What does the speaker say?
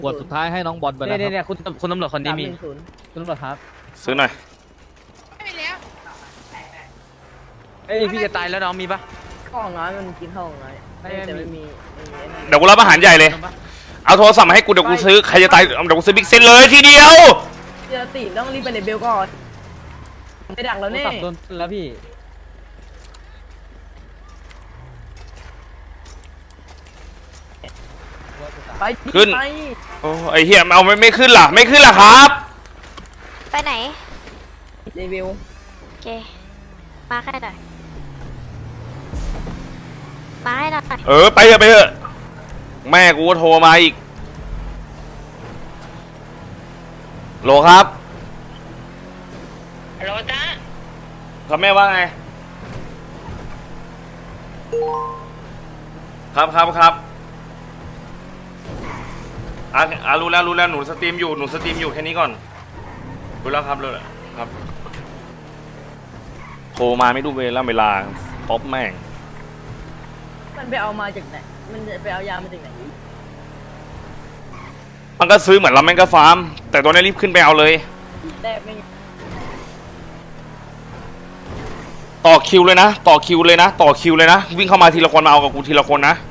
ขวดสุดท้ายให้น้องบอลไปแล้วเนี่ยคุณตำรวจคนนี้มีคุณตำรวจครับซื้อหน่อยไม่แล้วเอ้ยพี่จะตายแล้วน้องมีปะข้าวน้อยมันกินข้าวน้อยไม่แต่มีไม่มีไอ้นั่นเดี๋ยวกูรับอาหารใหญ่เลย เอาโทรศัพท์มาให้กูเดี๋ยวกูซื้อใครจะตายเดี๋ยวกูซื้อบิ๊กเซนเลยทีเดียวเจอตีต้องรีบไปในเบลก่อนไปดักแล้วโทรแน่ศัพท์โดนแล้วพี่ไปขึ้นไปโอ้ไอเหี้ยเอาไม่ขึ้นล่ะไม่ขึ้นล่ะครับไปไหนในเบลโอเค มาแค่หน่อยมาให้หน่อยไปเถอะไปเถอะแม่กูก็โทรมาอีกโหลครับฮัลโหลจ้าครับแม่ว่าไงครับรู้แล้วหนูสตรีมอยู่แค่นี้ก่อนรู้แล้วครับเลยครับโทรมาไม่ดูเวลาป๊อปแม่งมันไปเอามาจากไหนมันจะไปเอายามาจากไหนมันก็ซื้อเหมือนเราแม่งก็ฟาร์มแต่ตัวนี้รีบขึ้นไปเอาเลยแรกไม่ต่อคิวเลยนะวิ่งเข้ามาทีละคนมาเอากับกูทีละคนนะ